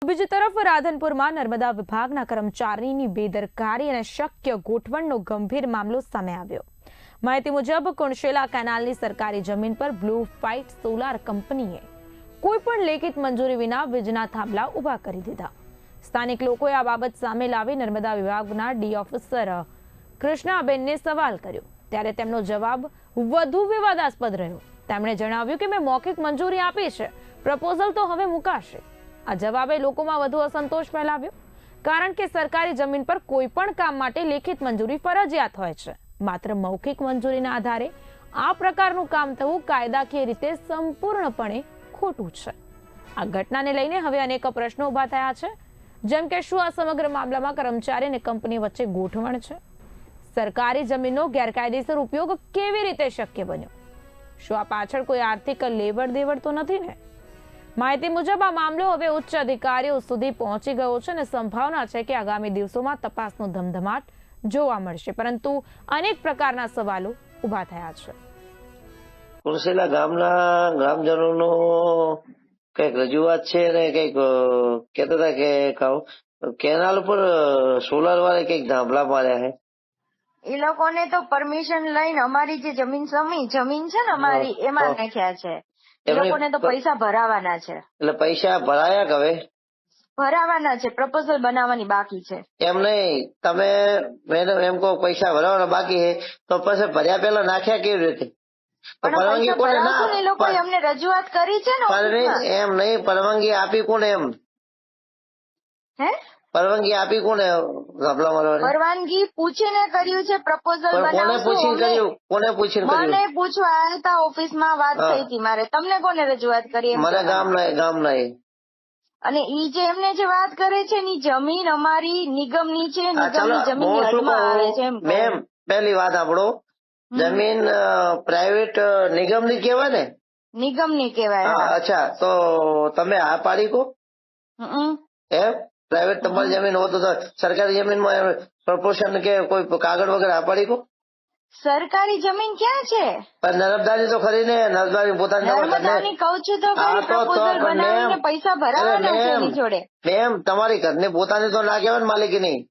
બીજી તરફ રાધનપુરમાં નર્મદા વિભાગના કર્મચારીની બેદરકારી અને શક્ય ગોઠવણનો ગંભીર મામલો સામે આવ્યો। માહિતી મુજબ કુણશેલા કેનાલની સરકારી જમીન પર બ્લુ ફાઇટ સોલાર કંપનીએ કોઈ પણ લેખિત મંજૂરી વિના વીજના થાંભલા ઊભા કરી દીધા। સ્થાનિક લોકોએ આ બાબત સામે લાવી નર્મદા વિભાગના ડી ઓફિસર કૃષ્ણાબેનને સવાલ કર્યો, ત્યારે તેમનો જવાબ વધુ વિવાદાસ્પદ રહ્યો। તેમણે જણાવ્યું કે મેં મૌખિક મંજૂરી આપી છે, પ્રપોઝલ તો હવે મુકાશે। આ જવાબે લોકોમાં વધુ અસંતોષ ફેલાવ્યો, કારણ કે સરકારી જમીન પર કોઈ પણ કામ માટે લેખિત મંજૂરી ફરજિયાત હોય છે। માત્ર મૌખિક મંજૂરીના આધારે આ પ્રકારનું કામ થવું કાયદાકીય રીતે સંપૂર્ણપણે ખોટું છે। આ ઘટનાને લઈને હવે અનેક પ્રશ્નો ઊભા થયા છે, જેમ કે શું આ સમગ્ર મામલામાં કર્મચારી અને કંપની વચ્ચે ગોઠવણ છે? સરકારી જમીનનો ગેરકાયદેસર ઉપયોગ કેવી રીતે શક્ય બન્યો? શું આ પાછળ કોઈ આર્થિક લેવડ દેવડ તો નથી ને? માહિતી મુજબ આ મામલો હવે ઉચ્ચ અધિકારીઓ સુધી પહોંચી ગયો છે અને સંભાવના છે કે આગામી દિવસોમાં તપાસનો ધમધમાટ જોવા મળશે, પરંતુ અનેક પ્રકારના સવાલો ઊભા થયા છે। કુણશેલા ગામના ગ્રામજનોનો કઈક રજૂઆત છે અને કઈક કહેતા હતા કે કેનાલ પર સોલાર વાળા કઈક ધાંભલા માર્યા છે। એ લોકોને તો પરમિશન લઈને અમારી જે જમીન છે ને અમારી એમાં નાખ્યા છે। એ લોકોને તો પૈસા ભરાવાના છે। એટલે પૈસા ભરાયા કે હવે ભરાવાના છે, પ્રપોઝલ બનાવવાની બાકી છે। એમ નહીં, તમે મેડમ એમ કહો પૈસા ભરાવાના બાકી છે તો પછી ભર્યા પેલા નાખ્યા કેવી રીતે? પરવાનગી કોને? એ લોકોએ અમને રજૂઆત કરી છે ને। એમ નહીં, પરવાનગી આપી કોને? એમ હે પરવાનગી આપી કોને? પરવાનગી પૂછીને કર્યું છે પ્રપોઝલ બનાવશું। કોને પૂછીને કર્યું? મને પૂછવા આવ્યા હતા, ઓફિસમાં વાત થઈ હતી મારે। તમને કોને રજૂઆત કરી? મને ગામના અને ઈ જે એમને જે વાત કરે છે ની જમીન અમારી નિગમની છે, નિગમની જમીન હદમાં આવે છે। મેમ પહેલી વાત આપણો, જમીન પ્રાઇવેટ નિગમની કહેવાય ને? નિગમની કહેવાય। અચ્છા, તો તમે આ પાડી કો એમ? પ્રાઇવેટ તમારી જમીન હોય તો સરકારી જમીનમાં પ્રપોર્શન કે કોઈ કાગળ વગર આ પાડી કો? સરકારી જમીન ક્યાં છે? પણ નર્મદાની તો ખરી ને, નર્મદાની પોતાની નર્મદાની કહું છું તો પ્રપોઝલ બનાવીને પૈસા ભરાવાના છે એની જોડે। મેમ તમારી ઘરની પોતાની તો ના કહેવાય ને, માલિકી નહીં?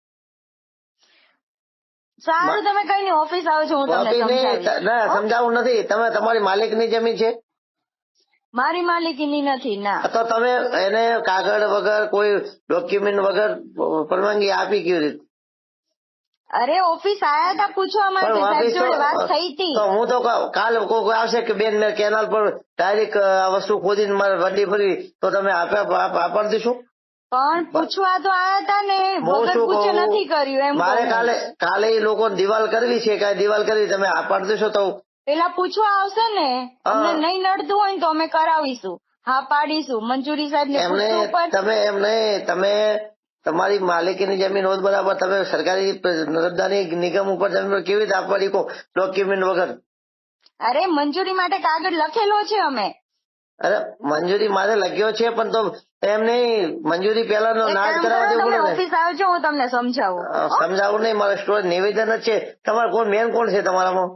સારું, તમે કઈ નહીં, ઓફિસ આવજો, હું તમને સમજાવીશ। ના, સમજાવવું નથી, તમે તમારી માલિકની જમીન છે? મારી માલિકીની નથી ના। તો તમે એને કાગળ વગર કોઈ ડોક્યુમેન્ટ વગર પરવાનગી આપી કેવી રીતે? અરે ઓફિસ આયા હતા પૂછવા માટે, સાહેબ જોડે વાત થઈ હતી। તો હું તો કાલ કોઈ આવશે કે બેન મેં કેનાલ પર ડાયરેક્ટ આ વસ્તુ ખોદીને મારે વડી ફરી, તો તમે આપી દઈશું? પણ પૂછવા તો આયા હતા ને, વગર પૂછે નથી કર્યું એમ। મારે કાલે એ લોકો દિવાલ કરવી છે, કઈ દિવાલ કરવી, તમે આપી દેશો? તો પેલા પૂછવા આવશે ને, અમને નહીં નડતું હોય ને તો અમે કરાવીશું, હા પાડીશું। મંજૂરી સાહેબ ને તમે એમ નહીં, તમે તમારી માલિકીની જમીન હોત બરાબર, તમે સરકારી નર્મદાની નિગમ ઉપર જમીન પર કેવી રીતે આપવાની કહો ડોક્યુમેન્ટ વગર? અરે મંજૂરી માટે કાગળ લખેલો છે અમે। અરે મંજૂરી મારે લખ્યો છે, પણ તો એમ નહીં, મંજૂરી પેલા ના જ કરાવવા દેવું પડે ને? ઓફિસ આવજો, હું તમને સમજાવું। સમજાવું નહીં, મારો સ્ટોર નિવેદન જ છે। તમારે કોણ મેન કોણ છે તમારામાં?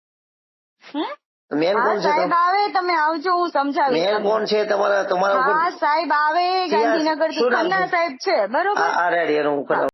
મેન કોણ છે? સાહેબ આવે, તમે આવજો, હું સમજાવીશ। મેન કોણ છે તમારા? સાહેબ આવે ગાંધીનગર થી, ખન્ના સાહેબ છે, બરોબર? રેડી, હું